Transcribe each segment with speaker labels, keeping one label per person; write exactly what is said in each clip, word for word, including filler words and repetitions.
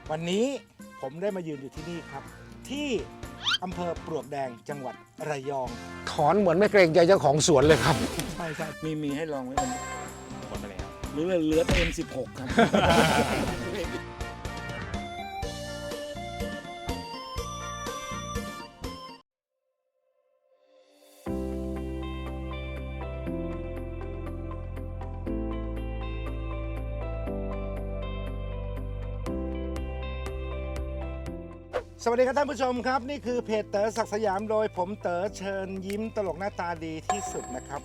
Speaker 1: วันนี้ผมได้มายืนอยู่ที่นี่ครับที่อำเภอปลวกแดงจังหวัดระยองถอนเหมือนไม่เกรงใจเจ้าของสวนเลยครับใช่ใช่มีมีให้ลองไว้วันนี้หมดไปแล้วหรือเหลือเอ็มสิบหกครับ สวัสดีครับท่านผู้ชมครับนี่คือเพจเต๋อศักดิ์สยามโดยผมเต๋อเชิญยิ้มตลกหน้าตาดีที่สุดนะครับ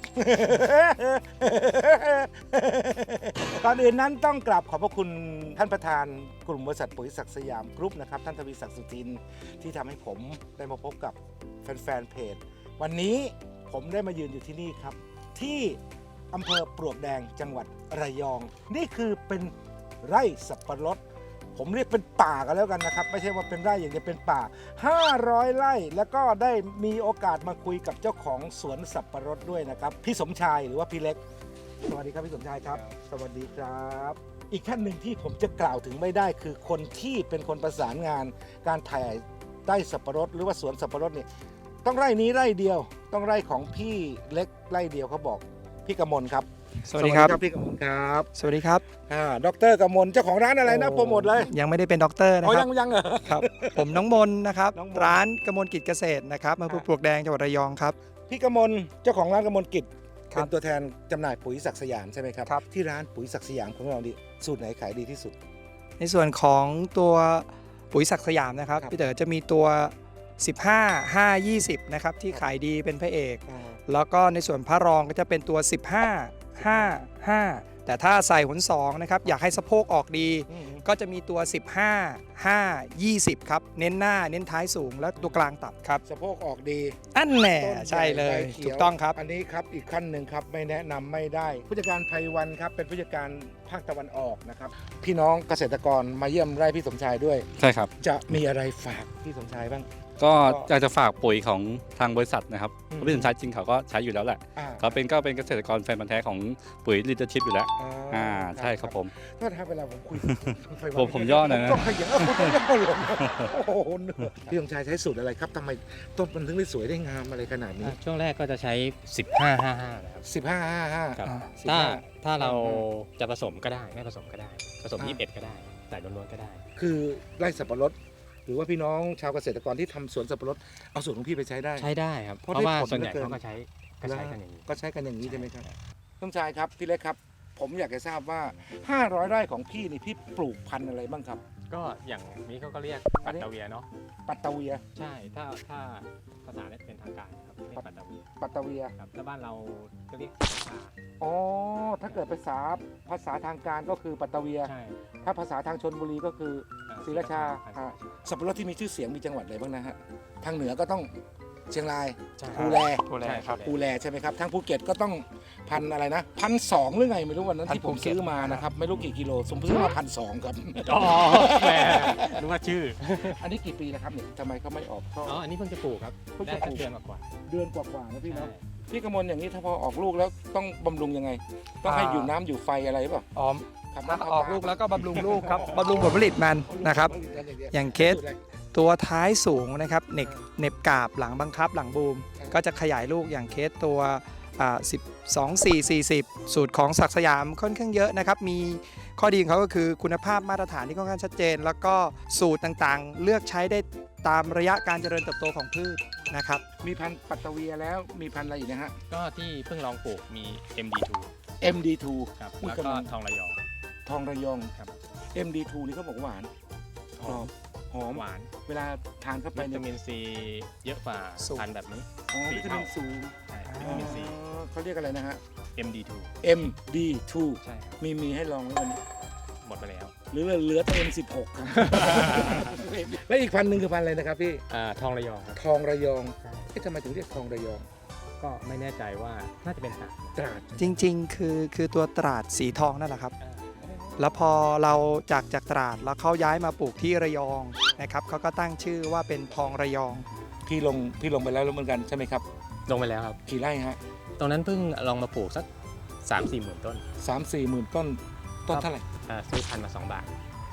Speaker 1: ก่อนอื่นนั้นต้องกราบขอบพระคุณท่านประธานกลุ่มบริษัทปุ๋ยศักดิ์สยามกรุ๊ปนะครับท่านทวีศักดิ์สุทินที่ทำให้ผมได้มาพบกับแฟนๆเพจวันนี้ผมได้มายืนอยู่ที่นี่ครับที่อำเภอปลวกแดงจังหวัดระยอง นี่คือเป็นไร่สับปะรดผมเรียกเป็นป่ากันแล้วกันนะครับไม่ใช่ว่าเป็นไร่อย่างเดียวเป็นป่าห้าร้อยไร่แล้วก็ได้มีโอกาสมาคุยกับเจ้าของสวนสับปะรดด้วยนะครับพี่สมชายหรือว่าพี่เล็กสวัสดีครับพี่สมชายครับสวัสดีครับอีกท่านหนึ่งที่ผมจะกล่าวถึงไม่ได้คือคนที่เป็นคนประสานงานการถ่ายไร่สับปะรดหรือว่าสวนสับปะรดเนี่ยต้องไร่นี้ไร่เดียวต้องไร่ของพี่เล็กไร่เดียวเขาบอกพี่กมลครับ
Speaker 2: สวัสดีครับ
Speaker 1: พี่กมลครับ
Speaker 2: สวัสดีครับ
Speaker 1: อ่าดรกมลเจ้าของร้านอะไรนะโปรโมทเลย
Speaker 2: ยังไม่ได้เป็นด็อกเตอร์นะครั
Speaker 1: บยังยังเหรอ
Speaker 2: ครับผมน้องมนนะครับ
Speaker 1: น้องมน
Speaker 2: ร้านกมลกิจเกษตรนะครับอำเภอปลวกแดงจังหวัดระยองครับ
Speaker 1: พี่กมลเจ้าของร้านกมลกิจ
Speaker 2: ครั
Speaker 1: เป็
Speaker 2: บ
Speaker 1: นตัวแทนจำหน่ายปุ๋ยศักดิ์สยามใช่ไหมครับ
Speaker 2: ครับ
Speaker 1: ที่ร้านปุ๋ยศักดิ์สยามของเราดิสูตรไหนขายดีที่สุด
Speaker 2: ในส่วนของตัวปุ๋ยศักดิ์สยามนะครับ
Speaker 1: ครับ
Speaker 2: พี่เต๋อจะมีตัวสิบห้า ห้า ยี่สิบนะครับที่ขายดีเป็นพระเอกแล้วก็ในส่วนพระรองก็จะเป็นตัวสิบห้า ห้า ห้าแต่ถ้าใส่หนสองนะครับอยากให้สะโพกออกดี
Speaker 1: อืม
Speaker 2: ก็จะมีตัวสิบห้า ห้า ยี่สิบครับเน้นหน้าเน้นท้ายสูงและตัวกลางต่ำครับ
Speaker 1: สะโพกออกดี
Speaker 2: อันแน่
Speaker 1: ต้น
Speaker 2: ใช่เลย
Speaker 1: ใบขีว
Speaker 2: ถูกต้องครับ
Speaker 1: อันนี้ครับอีกขั้นหนึ่งครับไม่แนะนำไม่ได้ ผู้จัดการไพวันครับเป็นผู้จัดการภาคตะวันออกนะครับพี่น้องเกษตรกรมาเยี่ยมไร่พี่สมชายด้วย
Speaker 3: ใช่ครับ
Speaker 1: จะมีอะไรฝากพี่สมชายบ้าง
Speaker 3: ก็อยากจะฝากปุ๋ยของทางบริษัทนะครับ
Speaker 1: อืม
Speaker 3: เพราะพี่สมชายจริงเขาก็ใช้อยู่แล้วแหละ
Speaker 1: อ่า
Speaker 3: เขาเป็นก็เป็นเกษตรกรแฟนพันธุ์แท้ของปุ๋ยลิเดอร์ชิพอยู่แล้วอ่าใช่ครับผม
Speaker 1: ก็ถ้าเวลาผมคุย
Speaker 3: ผมผมย่อหน่อยนะ
Speaker 1: ก็ขยันเออผมย่อลงโอ้โหเหนื่อยพี่สมชายใช้สูตรอะไรครับทำไมต้นมันถึงได้สวยได้งามอะไรขนาดนี้
Speaker 4: อ่ะช่วงแรกก็จะใช้ สิบห้า ห้า ห้า นะครับ
Speaker 1: สิบห้าห้าห้า
Speaker 4: ครับ
Speaker 2: อ่า
Speaker 4: ถ้า
Speaker 1: สิบห้า
Speaker 4: ถ้าเรา
Speaker 1: อื
Speaker 4: จะผสมก็ได้ไม่ผสมก็ได้ ผสม
Speaker 1: อ่า
Speaker 4: ยี่สิบเอ็ดก็ได้ใส่ล้วนๆก็ได้
Speaker 1: คือไร่สับปะรดหรือว่าพี่น้องชาวเกษตรกรที่ทำสวนสับปะรดเอาสูตรของพี่ไปใช้ได้
Speaker 4: ใช้ได้ครับ
Speaker 1: เพ
Speaker 4: เพ
Speaker 1: ราะ
Speaker 4: ราะว่า
Speaker 1: ได้ผล
Speaker 4: ส่วนใหญ่
Speaker 1: เหลือเกิน
Speaker 4: เขาก็ใช้ก็ใช้กันอย่างนี้
Speaker 1: ก็ใช้กันอย่างนี้ใช่ไหมครับท่านชายครับพี่เล็กครับ ผมอยากจะทราบว่าห้าร้อยไร่ของพี่นี่พี่ปลูกพันธุ์อะไรบ้างครับ
Speaker 4: ก็อย่างนี้เขาก็เรียกปัตตาเวียเนาะ
Speaker 1: ปัตตาเวีย
Speaker 4: ใช่ถ้าถ้าภาษาเนี่ยเป็นทางการครับเรียกปัตตาเวีย
Speaker 1: ปัตตาเวีย
Speaker 4: ครับถ้าบ้านเราก็เรียกชา
Speaker 1: อ๋อถ้าเกิดภาษาภาษาทางการก็คือปัตตาเวีย
Speaker 4: ใช่
Speaker 1: ถ้าภาษาทางชนบุรีก็คือ
Speaker 4: อ่
Speaker 1: ศรีราชา
Speaker 4: พันธุ์
Speaker 1: อ่าสับปะรดที่มีชื่อเสียงมีจังหวัดอะไรบ้างนะฮะทางเหนือก็ต้องเชียงราย
Speaker 4: ใช่
Speaker 1: ภูแล
Speaker 2: ภูแลครับ
Speaker 1: ภูแลใช่ไหมครับทางภูเก็ตก็ต้องพันอะไรนะพันสองหรือไงไม่รู้วันนั้น
Speaker 2: พัน
Speaker 1: ที่ผม
Speaker 2: ภูเก็ต
Speaker 1: ซื้อมานะครับไม่รู้กี่กิโลผมซื้อมาพันสองครับ
Speaker 4: อ๋อแหมรู้ว่าชื่อ
Speaker 1: อันนี้กี่ปีแล้วครับเนี่ยทำไมเขาไม่ออกช่อ
Speaker 4: อ๋ออันนี้เพิ่งจะปลูกครับ
Speaker 1: เพิ่ง
Speaker 4: ได้
Speaker 1: จะป
Speaker 4: สั
Speaker 1: ลู
Speaker 4: ก
Speaker 1: ก
Speaker 4: เดือนกว่า
Speaker 1: เดือนกว่าๆนะ
Speaker 4: ๆ
Speaker 1: พี่
Speaker 4: ใช่
Speaker 1: เนาะพี่กมลอย่างนี้ถ้าพอออกลูกแล้วต้องบำรุงยังไง ต้องให้อยู่น้ำอยู่ไฟอะไรหรือเปล่า
Speaker 2: อ๋อ
Speaker 1: ครับ
Speaker 2: ถ้าออกลูกแล้วก็บำรุงลูกครับบำรุงผลผลิตมันนะครับ อย่างเคส ตัวท้ายสูงนะครับเน็บเน็บกาบหลังบังคับหลังบูม ก็จะขยายลูกอย่างเคสตัวอ่าสิบสอง สี่ สี่สิบสูตรของศักดิ์สยามค่อนข้างเยอะนะครับมีข้อดีของเขาก็คือคุณภาพมาตรฐานที่ค่อนข้างชัดเจน แล้วก็สูตรต่างๆ เลือกใช้ได้ตามระยะการเจริญเติบโตของพืชนะครับ
Speaker 1: มีพันธุ์ปัตตาเวียแล้วมีพันธุ์อะไรอีกนะฮะ
Speaker 4: ก็ที่เพิ่งลองปลูกมี เอ็ม ดี ทู
Speaker 1: เอ็ม ดี ทู
Speaker 4: ครับ
Speaker 1: อุ้ย
Speaker 4: แล้วก็
Speaker 1: กำลัง
Speaker 4: ทองระยอง
Speaker 1: ทองระยอง
Speaker 4: ครับ
Speaker 1: เอ็ม ดี ทู นี่เขาบอกหวานกรอบหอม
Speaker 4: หวาน
Speaker 1: เวลาทานเข้าไป
Speaker 4: วิ
Speaker 1: เนี่
Speaker 4: ตาย มินซีเยอะกว่า
Speaker 2: สูง
Speaker 4: พันธุ์แบบนี้
Speaker 1: อ๋อวิตามินสูง
Speaker 4: ใช่วิตามินซี
Speaker 1: อ๋อเขาเรียกอะไรนะฮะ
Speaker 4: เอ็ม ดี ทู
Speaker 1: เอ็ม ดี ทู
Speaker 4: ใช่ครับ
Speaker 1: มีมีให้ลองไว้วันนี้
Speaker 4: หมดไปแล้ว
Speaker 1: หรือเหลือแต่ เอ็ม สิบหก ครับ และอีกพันธุ์หนึ่งคือพันธุ์อะไรนะครับพี่
Speaker 4: อ่าทองระยองครับ
Speaker 1: ทองระยอง
Speaker 4: ใช่
Speaker 1: เอ๊ะทำไมถึงเรียกทองระยอง
Speaker 4: ก็ไม่แน่ใจว่าน่าจะเป็นตราด
Speaker 1: ตราด
Speaker 2: จริงๆ คือคือตัวตราดสีทองนั่นแหละครับ
Speaker 4: อ่า
Speaker 2: แล้วพอเราจากจากตราดแล้วเขาย้ายมาปลูกที่ระยองนะครับเขาก็ตั้งชื่อว่าเป็นทองระยอง
Speaker 1: พี่ลงพี่ลงไปแล้วเหมือนกันใช่ไหมครับ
Speaker 4: ลงไปแล้วครับ
Speaker 1: กี่ไร่ฮะ
Speaker 4: ตรงนั้นเพิ่งลองมาปลูกสัก สามสี่หมื่นต้น
Speaker 1: สามสี่หมื่นต้นต้นเท่าไหร่
Speaker 4: อ่าซื้อพันธุ์มาสองบาท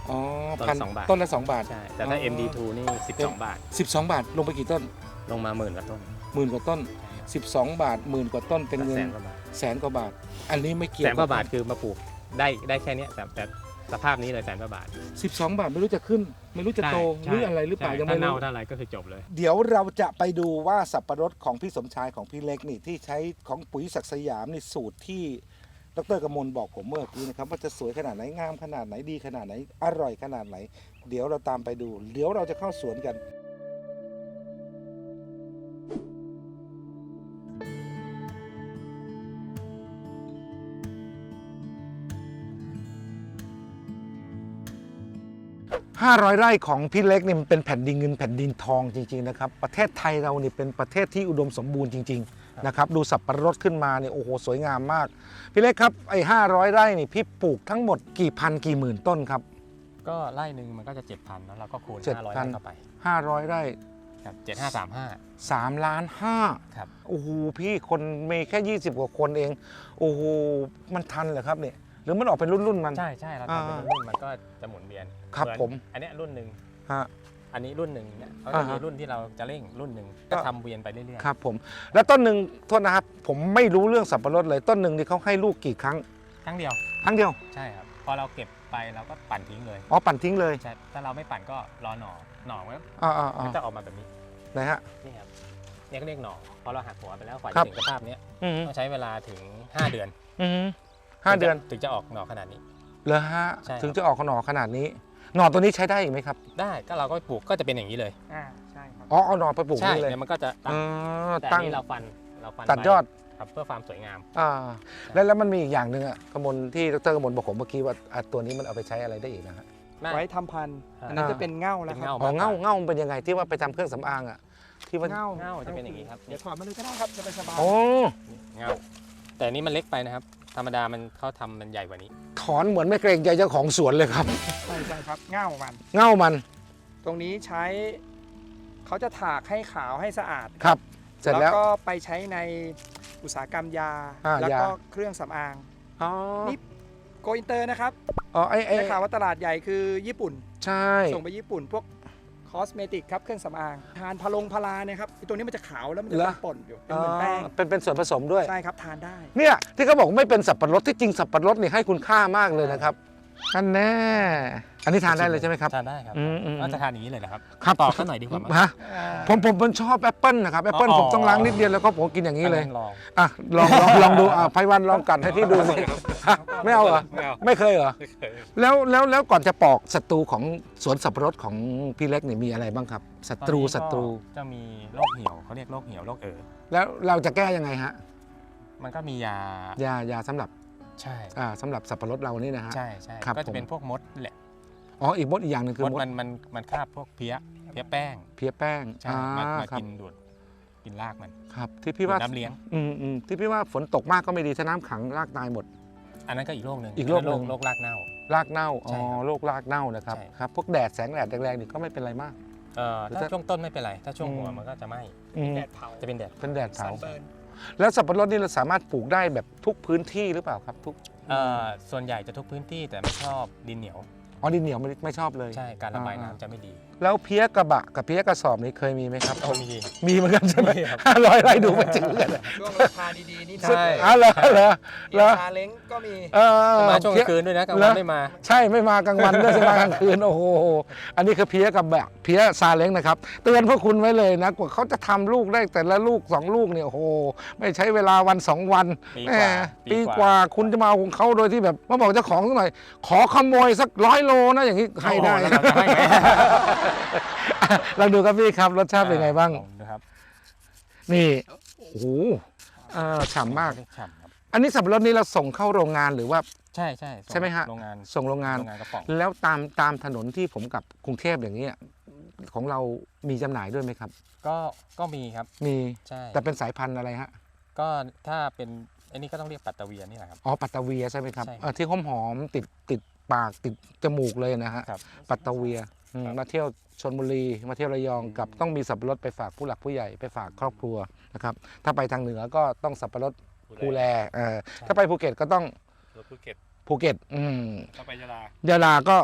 Speaker 1: อ๋อ
Speaker 4: ต้น
Speaker 1: พัน
Speaker 4: สองบาท
Speaker 1: ต้นละสองบาท
Speaker 4: ใช่ แต่ถ้า
Speaker 1: อ๋อ
Speaker 4: เอ็ม ดี ทู นี่ สิบสอง บาท
Speaker 1: สิบสองบาทลงไปกี่ต้น
Speaker 4: ลงมาหมื่นกว่าต้น
Speaker 1: หมื่นกว่าต้น
Speaker 4: ใช่ครับ
Speaker 1: สิบสองบาทหมื่นกว่าต้นเป็นเงิน
Speaker 4: แสนกว่าบาท
Speaker 1: แสนกว่าบาท อันนี้ไม่เกี่ย
Speaker 4: แส
Speaker 1: วน
Speaker 4: กว่าบาทคือมาปลูกได้ได้แค่เนี้ยแต่แต่สภาพนี้เลยแสนกว่าบาท
Speaker 1: สิบสองบาทไม่รู้จะขึ้น ไม่รู้จะโตห
Speaker 4: ใช่
Speaker 1: รืออะไรหรือเปล่า
Speaker 4: ใช่
Speaker 1: ยัง
Speaker 4: ถ้า
Speaker 1: ไม่
Speaker 4: เน่า
Speaker 1: รู้
Speaker 4: ถ้าอะไรก็คือจบเลย
Speaker 1: เดี๋ยวเราจะไปดูว่าสับปะรดของพี่สมชายของพี่เล็กนี่ที่ใช้ของปุ๋ยศักดิ์สยามนี่สูตรที่ดรกมลบอกผมเมื่อกี้นะครับว่าจะสวยขนาดไหนงามขนาดไหนดีขนาดไหนอร่อยขนาดไหน เดี๋ยวเราตามไปดู เดี๋ยวเราจะเข้าสวนกัน ห้าร้อยไร่ของพี่เล็กนี่มันเป็นแผ่นดินเงินแผ่นดินทองจริงๆนะครับประเทศไทยเรานี่เป็นประเทศที่อุดมสมบูรณ์จริงๆนะครับดูสับปะรดขึ้นมาเนี่ยโอ้โหสวยงามมากพี่เล็กครับไอ้ห้าร้อยไร่นี่พี่ปลูกทั้งหมดกี่พันกี่หมื่นต้นครับ
Speaker 4: ก็ไร่หนึ่งมันก็จะ เจ็ดพัน แล้วเราก็คูณ
Speaker 1: เจ็ด
Speaker 4: ห้าร้อย
Speaker 1: พัน
Speaker 4: ไร่เข้าไป
Speaker 1: ห้าร้อยไร่
Speaker 4: ครับเจ็ดห้าสามห้า
Speaker 1: สามล้านห้า
Speaker 4: ครับ
Speaker 1: โอ้โหพี่คนมีแค่ยี่สิบกว่าคนเองโอ้โหมันทันเหรอครับเนี่ยหรือมันออกเป็นรุ่นๆมัน
Speaker 4: ใช่ใช่เราทำเป็น
Speaker 1: อ่า
Speaker 4: รุ่นๆมันก็จะหมุนเวียน
Speaker 1: ครับ
Speaker 4: เหอน
Speaker 1: ผม
Speaker 4: อันเนี้ยรุ่นหนึ่ง
Speaker 1: ฮะ
Speaker 4: อันนี้รุ่นหนึ่งเนี่ยเขา
Speaker 1: อ่า
Speaker 4: จะ
Speaker 1: ฮะ
Speaker 4: มีรุ่นที่เราจะเร่งรุ่นหนึ่ง
Speaker 1: ก็
Speaker 4: ก็ทำเวียนไปเรื่อย
Speaker 1: ครับผมแล้วต้นหนึ่งโทษนะครับผมไม่รู้เรื่องสับปะรดเลยต้นหนึ่งนี่เขาให้ลูกกี่ครั้ง
Speaker 4: ๆครั้งเดียว
Speaker 1: ครั้งเดียว
Speaker 4: ใช่ครับพอเราเก็บไปเราก็ปั่นทิ้งเลย
Speaker 1: อ๋อปั่นทิ้งเลย
Speaker 4: ใช่ถ้าเราไม่ปั่นก็รอหน่อหน่อมันก็
Speaker 1: อ่าอ่าอ่า
Speaker 4: มันจะออกมาแบบนี้
Speaker 1: ไหนฮะ
Speaker 4: นี่ครับเนี่ยก็เรียกหน่อพอเราหักหัวไปแล้วกว่า
Speaker 1: ครั
Speaker 4: จะ
Speaker 1: บ
Speaker 4: ถึงสภาพเนี้ย
Speaker 1: อืม
Speaker 4: ต้องใช้เวลาถึงห้าเดือน
Speaker 1: อืมห้าเดือน
Speaker 4: ถึงจะออกหน่อขนาดนี้
Speaker 1: เหรอฮะ
Speaker 4: ใช่ครับ
Speaker 1: ถึงจะออกหน่อขนาดนี้หน่อตัวนี้ใช้ได้อีกไหมครับ
Speaker 4: ได้ก็เราก็ปลูกก็จะเป็นอย่างนี้เลย
Speaker 2: อ่าใช่ครับ
Speaker 1: อ๋อเอาหน่อไปปลูก
Speaker 4: ใช่
Speaker 1: นี่เลย
Speaker 4: เนี่ยมันก็จะตั้
Speaker 1: อ๋
Speaker 4: ง
Speaker 1: อ
Speaker 4: แต่
Speaker 1: ตั้
Speaker 4: อั
Speaker 1: ง
Speaker 4: นนี้เราฟันเราฟัน
Speaker 1: ตัดยอด
Speaker 4: ครับเพื่อความสวยงาม
Speaker 1: อ่าแล้วแล้วมันมีอีกอย่างหนึ่งอะกมลที่ดรกมลบอกผมเมื่อกี้ว่าอ่ะตัวนี้มันเอาไปใช้อะไรได้อีกนะฮะ
Speaker 2: ไว้ทำพันธุ์อันนั้น
Speaker 1: อ่า
Speaker 2: จะเป็นเง่าแล้ว
Speaker 4: เป็น
Speaker 2: ครับ
Speaker 4: เง่า
Speaker 1: อ๋อเง่าเง่ามันเป็นยังไงที่ว่าไปทำเครื่องสำอางอะที่ว่า
Speaker 2: เง่า
Speaker 4: เง่าจะเป็นอย่างนี้ครับ
Speaker 2: เดี๋ยวถอดมาเลยก็ได้ครับจะไปสบาย
Speaker 1: โอ้
Speaker 4: เง่าแต่อันนี้มันเล็กไปนะครับ ธรรมดามันเขาทำมันใหญ่กว่านี้
Speaker 1: ถอนเหมือนไม่เกรงใจเจ้าของสวนเลยครับ
Speaker 2: ใช่ใช่ครับเง่ามัน
Speaker 1: เง่ามัน
Speaker 2: ตรงนี้ใช้เขาจะถากให้ขาวให้สะอาด
Speaker 1: ครับ เสร็จแล้ว
Speaker 2: ก็ไปใช้ในอุตสาหกรรมยา
Speaker 1: อ่า
Speaker 2: แล้วก็
Speaker 1: ยา
Speaker 2: เครื่องสำอาง
Speaker 1: อ๋อ
Speaker 2: นี่ โกอินเตอร์นะครับ
Speaker 1: อ๋อไอ้ไอ้
Speaker 2: ได้ข่าวว่าตลาดใหญ่คือญี่ปุ่น
Speaker 1: ใช่
Speaker 2: ส่งไปญี่ปุ่นพวกคอสเมติกครับเครื่องสำอางทานพะลงพาราเนี่ยครับไอ้ตัวนี้มันจะขาวแล้วมันจะเป็นป่นอยู่เป็นเหมือนแป้ง
Speaker 1: อ๋อเป็นเป็นส่วนผสมด้วย
Speaker 2: ใช่ครับทานได้
Speaker 1: เนี่ยที่เขาบอกไม่เป็นสับปะรดที่จริงสับปะรดนี่ให้คุณค่ามากเลยนะครับอันแน่อันนี้ทานได้เลยใช่ไหมครับ
Speaker 4: ทานได้ครับ
Speaker 1: อืมอืม
Speaker 4: ว่าจะทานอย่างนี้เลยนะครับ
Speaker 1: ครับ
Speaker 4: ตอกซะหน่อยดีกว่ามั้ง
Speaker 1: ฮะผมผมผมชอบแอปเปิลนะครับแอปเปิล
Speaker 4: อ๋อ
Speaker 1: ผมต้องล้างนิดเดียวแล้วก็ผมกินอย่างนี้เลย
Speaker 4: อัลอง
Speaker 1: อ่ะลองลองลองดูอ่ะไพวันลองกัดให้พี่ดูสิฮะไม่เอาเหรอ
Speaker 4: ไม่เอา
Speaker 1: ไม่เคยเหรอ
Speaker 4: ไม่เคย
Speaker 1: แล้วแล้วแล้วก่อนจะปอกศัตรูของสวนสับปะรดของพี่เล็กนี่มีอะไรบ้างครับศัตรู
Speaker 4: ตอนนี้ก็
Speaker 1: ศัตรู
Speaker 4: จะมีโรคเหี่ยวเขาเรียกโรคเหี่ยวโรคเอ๋อ
Speaker 1: แล้วเราจะแก้ยังไงฮะ
Speaker 4: มันก็มียาย
Speaker 1: ายาสำหรับ
Speaker 4: ใช่
Speaker 1: อ่าสำหรับสับปะรดเรานี่นะฮะ
Speaker 4: ใช่ใช่
Speaker 1: ครับ
Speaker 4: ก็จะ
Speaker 1: ผม
Speaker 4: เป็นพวกมดแหละ
Speaker 1: อ๋ออีกมดอีกอย่างหนึ่งคือ
Speaker 4: มด
Speaker 1: มด
Speaker 4: มันมันมันคาบพวกเพี้ยเพี้ยแป้ง
Speaker 1: เพี้ยแป้ง
Speaker 4: ใช่
Speaker 1: อ่า
Speaker 4: มามา
Speaker 1: ครับ
Speaker 4: กินดูดกินรากมัน
Speaker 1: ครับที่พี่ว่า
Speaker 4: ดูดน้ำเลี้ยง
Speaker 1: อืมอืมที่พี่ว่าฝนตกมากก็ไม่ดีถ้าน้ำขังรากตายหมด
Speaker 4: อันนั้นก็อีกโรคหนึ่ง
Speaker 1: อีกโรคหนึ่ง
Speaker 4: โรครากเน่า
Speaker 1: รากเน่าอ๋
Speaker 4: ใช่
Speaker 1: อ
Speaker 4: ครับ
Speaker 1: โรครากเน่านะครับ
Speaker 4: ใช่
Speaker 1: ครับพวกแดดแสงแดดแรงๆนี่ก็ไม่เป็นไรมาก
Speaker 4: เอ่อ
Speaker 1: หรือ
Speaker 4: ถ้า
Speaker 1: ถ้า
Speaker 4: ช่วงต้นไม่เป็นไร ถ้าช่วงหัว
Speaker 1: อืม
Speaker 4: มันก็จะไหม้
Speaker 1: อืม
Speaker 2: แดดเผา
Speaker 4: จะเป็นแดด
Speaker 1: เป็นแดด
Speaker 2: ซั
Speaker 1: เผา
Speaker 2: นเบิร์น
Speaker 1: แล้วสับปะรดนี่เราสามารถปลูกได้แบบทุกพื้นที่หรือเปล่าครับทุก
Speaker 4: เอ่อส่วนใหญ่จะทุกพื้นที่แต่ไม่ชอบดินเหนียว
Speaker 1: อ๋อดินเหนียวไม่ไม่ชอบเลย
Speaker 4: ใช่การระบาย
Speaker 1: อ่า
Speaker 4: น้ำจะไม่ดี
Speaker 1: แล้วเพี้ยกระบะกับเพี้ยกระสอบนี่เคยมีไหมครับ
Speaker 4: เอามี
Speaker 1: มีเหมือนกันใช่ไหม
Speaker 4: มีครับ
Speaker 1: ห้าร้อยไร่ดูไม่จืดเลย
Speaker 2: ช่วงราคาดีๆนี่
Speaker 4: ใช่
Speaker 1: อ๋อเหรอเหรอเหรอ
Speaker 2: ซาเล้งก็มี
Speaker 1: เออ
Speaker 4: มาช่วงก
Speaker 1: เพี้
Speaker 4: ลาย งคืนด้วยนะกลาง
Speaker 1: เหร
Speaker 4: วั
Speaker 1: อ
Speaker 4: นไม่มา
Speaker 1: ใช่ไม่มากลางวันด้วยใช่มากลางคืนโอ้โหอันนี้คือเพี้ยกับแบบเพี้ยซาเล้งนะครับเตือนพวกคุณไว้เลยนะกว่าเขาจะทำลูกได้แต่ละลูกสองลูกเนี่ยโอ้โหไม่ใช้เวลาวันสองวัน
Speaker 4: ปี
Speaker 1: แห
Speaker 4: กว่า
Speaker 1: มปีกว่าคุณจะมาเอาของเขาโดยที่แบบมาบอกเจ้าของสักหน่อยขอขโมยสักร้อยโลนะอย่างนี้ให้ได้
Speaker 4: โอ้โหแล้วเราจะให้ไหม
Speaker 1: ลองดูครับพี่ครับรสชาติเป็นไงบ้าง
Speaker 4: ลอดูครับ
Speaker 1: นี่โอ้โหเอ่อฉ่ำมาก
Speaker 4: ฉ่ำครับ
Speaker 1: อันนี้สับปะรดนี้เราส่งเข้าโรงงานหรือว่า
Speaker 4: ใช่ใช่
Speaker 1: ใช่ไหมฮะ
Speaker 4: โรงงาน
Speaker 1: ส่งโรงงาน
Speaker 4: โรงงานกระป๋อง
Speaker 1: แล้วตามตามถนนที่ผมกับกรุงเทพอย่างนี้ยของเรามีจำหน่ายด้วยไหมครับ
Speaker 4: ก็ก็มีครับ
Speaker 1: มี
Speaker 4: ใช่
Speaker 1: แต่เป็นสายพันธุ์อะไรฮะ
Speaker 4: ก็ถ้าเป็นอันนี้ก็ต้องเรียกปัตตะเวียนี่แหละครับ
Speaker 1: อ๋อปัตตะเวียใช่ไหมครับ
Speaker 4: ใช่ครับ
Speaker 1: เอ่อที่หอมหอมๆติดติดปากติดจมูกเลยนะฮะ
Speaker 4: ครับ
Speaker 1: ปัตตะเวียอืม
Speaker 4: ครับ
Speaker 1: มาเที่ยวชลบุรีมาเที่ยวระยองกับต้องมีสับปะรดไปฝากผู้หลักผู้ใหญ่ไปฝากครอบครัวนะครับถ้าไปทางเหนือก็ต้องสับปะรดภูแลเออถ้าไปภูเก็ตก็ต้อง
Speaker 3: รถภูเก็ต
Speaker 1: ภูเก็ตอืม
Speaker 3: ถ้าไปยะลาย
Speaker 1: ะลาก็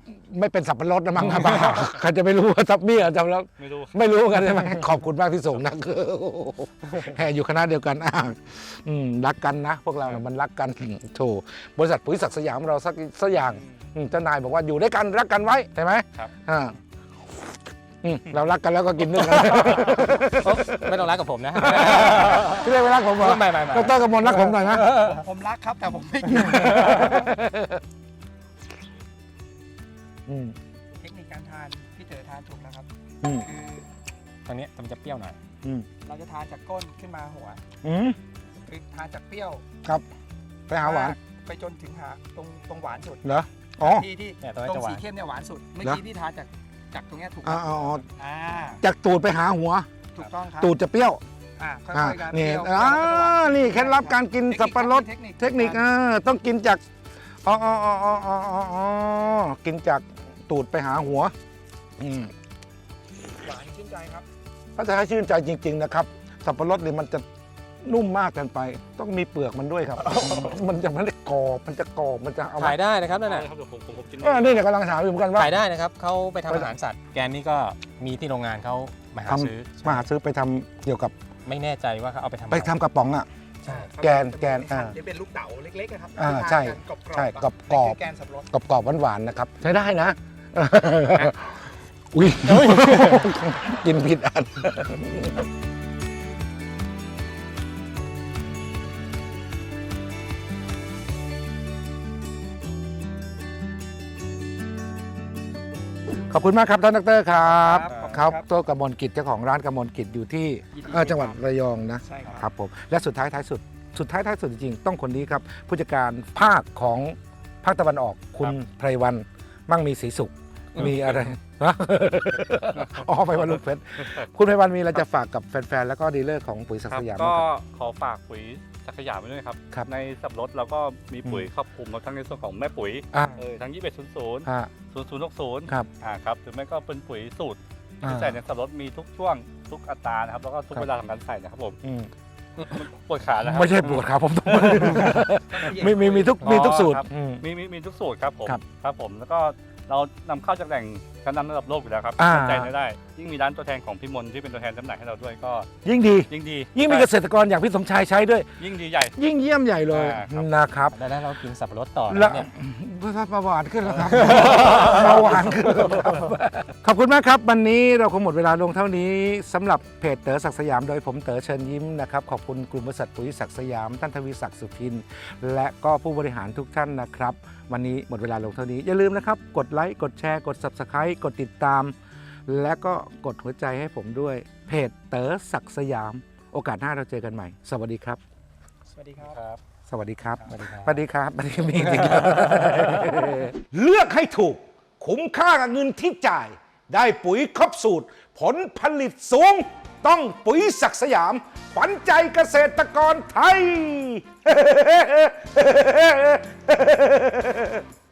Speaker 1: ไม่เป็นสับปะรดนะมั้งครับ ใครจะไม่รู้ว่าทับเบี้ยจำแล้ว
Speaker 3: ไม่รู้
Speaker 1: ไม่รู้กันใช่ไหมขอบคุณมากที่ส่งนะคือแห่อยู่คณะเดียวกันอ่าอืมรักกันนะ พวกเราเนี่ยมันรักกันโถบริษัทปุ๋ยศักดิ์สยามเราสักสักอย่างอืมเจ้านายบอกว่าอยู่ด้วยกันรักกันไว้ใช่ไหม
Speaker 3: ครับ
Speaker 1: อ่าอืมเรารักกันแล้วก็กินด้วยกัน
Speaker 4: ไม่ต้องรักกับผมนะ
Speaker 1: พี่เรียกไม่รักผมเหรอ
Speaker 4: ไม่ไม่ไม่
Speaker 1: ดรกมลรักผมหน่อยนะ
Speaker 2: ผมรักครับแต่ผมไม่กิน
Speaker 1: อืม
Speaker 2: เทคนิคการทานพี่เต๋อทานถูกแล้วครับ
Speaker 1: อืม
Speaker 2: คือ
Speaker 4: ตรงนี้มันจะเปรี้ยวหน่อย
Speaker 1: อืม
Speaker 2: เราจะทานจากก้นขึ้นมาหัว
Speaker 1: อืม
Speaker 2: คือทานจากเปรี้ยว
Speaker 1: ครับไปหาหวาน
Speaker 2: ไปจนถึงหาตรงตรงหวานสุด
Speaker 1: เหรออ๋อ
Speaker 2: ที่ที่
Speaker 4: เนี่ยตรงนี้
Speaker 2: ตรง
Speaker 4: จะหวา
Speaker 2: สี
Speaker 4: น
Speaker 2: เข้มเนี่ยหวานสุด เมื่อ
Speaker 1: เหรอ
Speaker 2: กี้พี่ทานจากจากตรงเนี้ยถูก
Speaker 1: อ๋ออ๋ออ๋อ
Speaker 2: อ่า
Speaker 1: จากตูดไปหาหัว
Speaker 2: ถูกต้องครับ
Speaker 1: ตูดจะเปรี้ยว
Speaker 2: อ่าค่
Speaker 1: อ่า
Speaker 2: อยๆกัน
Speaker 1: นี่
Speaker 2: เปรี้ยว
Speaker 1: อ่า
Speaker 2: เปรี้ยวแล้วก็จะหวาน
Speaker 1: นี่เคล็ดลับการกินสับปะรด
Speaker 2: เทคนิค
Speaker 1: เทคนิคอ่าต้องกินจากอ๋ออ๋ออ๋ออ๋ออ๋ออ๋อกินจากตูดไปหาหัวอืม
Speaker 2: หวานชื่นใจครับ
Speaker 1: ถ้าจะให้ชื่นใจจริง ๆ นะครับ สับปะรดเนี่ยมันจะนุ่มมากเกินไป ต้องมีเปลือกมันด้วยครับ มันจะมันจะกรอบมันจะกรอบมันจะเอา
Speaker 4: ขายได้นะครับนั่น
Speaker 3: ได้
Speaker 4: น่ะ
Speaker 3: ครับเดี๋ยวผมผมผมกิน
Speaker 1: เออนี่เนี่ยกำลังถามอยู่เหมือนกันว่า
Speaker 4: ขายได้นะครับเขาไปทำ
Speaker 1: ไป
Speaker 4: อาหารสัตว์ แกนนี่ก็มีที่โรงงานเขามาหา
Speaker 1: ท
Speaker 4: ซื้อ
Speaker 1: ำมาหาซื้อไปทำเกี่ยวกับ
Speaker 4: ไม่แน่ใจว่าเขาเอาไปทำอะ
Speaker 1: ไป
Speaker 4: ร
Speaker 1: ทำกระป๋องอ่ะ
Speaker 4: ใช่
Speaker 1: แกนแกนอ่า
Speaker 2: ที่เป็นลูกเต๋าเล็กๆอะครับ
Speaker 1: อ่า
Speaker 2: ที่ทน
Speaker 1: ใช่
Speaker 2: กันกรอบๆ
Speaker 1: ใช่
Speaker 2: อะ
Speaker 1: กรอบๆ
Speaker 2: นั่นคือแกนสับปะรด
Speaker 1: กรอบๆหวานๆนะครับ ใช้ได้นะ อุ้ย กินผิดอัน ขอบคุณมากครับท่านดรครับครับตัวกมลกิจเจ้าของร้านกมลกิจอยู่ที่เอ่อจังหวัดระยองนะ
Speaker 2: ใช่ครับ
Speaker 1: ครับผมและสุดท้ายท้ายสุดสุดท้ายท้ายสุดจริงๆต้องคนนี้ครับผู้จัดการภาคของภาคตะวันออก คุณไพรวันมั่งมีศรีสุขมีอะไรฮะ อ๋อไพรวันลูกเพชรคุณไพรวันมีอะไรจะฝากกับแฟนๆแล้วก็ดีลเลอร์ของปุ๋ยศัก
Speaker 3: ครั
Speaker 1: ดิ์
Speaker 3: บ
Speaker 1: สยาม
Speaker 3: ก็
Speaker 1: บ้างครับ
Speaker 3: ขอฝากปุ๋ยศักดิ์สยามไว้ด้วยครับ
Speaker 1: ครับ
Speaker 3: ในสับปะรดเราก็มีปุ๋ย
Speaker 1: อืม
Speaker 3: ครอบคลุมเราทั้งในส่วนของแม่ปุ๋ย
Speaker 1: อ่า
Speaker 3: เออทั้งยี่สิบเอ็ดศูนย์ศูนย์
Speaker 1: ฮะ
Speaker 3: ศูนย์ศูนย์หกศูนย์
Speaker 1: ครับ
Speaker 3: อ่าครับหรือไม่ก็เป็นปุ๋ยสูตร
Speaker 1: อ่า
Speaker 3: ที่ใส่ในสับปะรดมีทุกช่วงทุกอัตรานะครับแล้วก็ทุก
Speaker 1: ครับ
Speaker 3: เวลาของการใส่นะครับผม
Speaker 1: อืม
Speaker 3: ปวดขาแล้วครับ
Speaker 1: ไม่ใช่ปวดครับผมต้อง มีมีมีทุกมีทุกสูตร
Speaker 3: ครับ
Speaker 1: อืม
Speaker 3: มีมีมีทุกสูตรครับผม
Speaker 1: ครับ
Speaker 3: ครับผมแล้วก็เรานำเข้าจากแหล่งชั้นนำระดับโลกอยู่แล้วครับ
Speaker 1: อ่า
Speaker 3: สนใจได้ ยิ่งมีร้านตัวแทนของพี่มนที่เป็นตัวแทนจำหน่ายให้เราด้วยก็
Speaker 1: ยิ่งดี
Speaker 3: ยิ่งดี
Speaker 1: ยิ่งมีเกษตรกรอย่างพี่สมชายใช้ด้วย
Speaker 3: ยิ่งดีใหญ่
Speaker 1: ยิ่งเยี่ยมใหญ่เลย
Speaker 3: อ่าครับ
Speaker 1: นะครับ
Speaker 4: แล้วเรากินสับปะรดต่อ
Speaker 1: แล้
Speaker 4: นะ
Speaker 1: ว
Speaker 4: เนี่ย
Speaker 1: เบาหวานขึ้นแล้วครับ เบาหวานขึ้นแล้วครับขอบคุณมากครับวันนี้เราคงหมดเวลาลงเท่านี้สำหรับเพจเต๋อศักดิ์สยามโดยผมเต๋อเชิญยิ้มนะครับขอบคุณกลุ่มบริษัทปุ๋ยศักดิ์สยามท่านทวีศักดิ์สุพินและก็ผู้บริหารทุกท่านนะครับ วันนี้หมดเวลาลงเท่านี้อย่าลืมนะครับกดไลค์กดแชร์กด ซับสไครบ์ กดติดตาม และก็กดหัวใจให้ผมด้วยเพจเต๋อศักดิ์สยาม โอกาสหน้าเราเจอกันใหม่ สวัสดีครับ
Speaker 2: สวัสดีครับ
Speaker 3: ครับ
Speaker 1: สวัสดีครับ
Speaker 4: สวัสดีครับ
Speaker 1: สวัสดีครับสวัสดีมีจริงๆเลือกให้ถูก คุ้มค่ากับเงินที่จ่าย ได้ปุ๋ยครบสูตร ผลผลิตสูง ต้องปุ๋ยศักดิ์สยาม ขวัญใจเกษตรกรไทย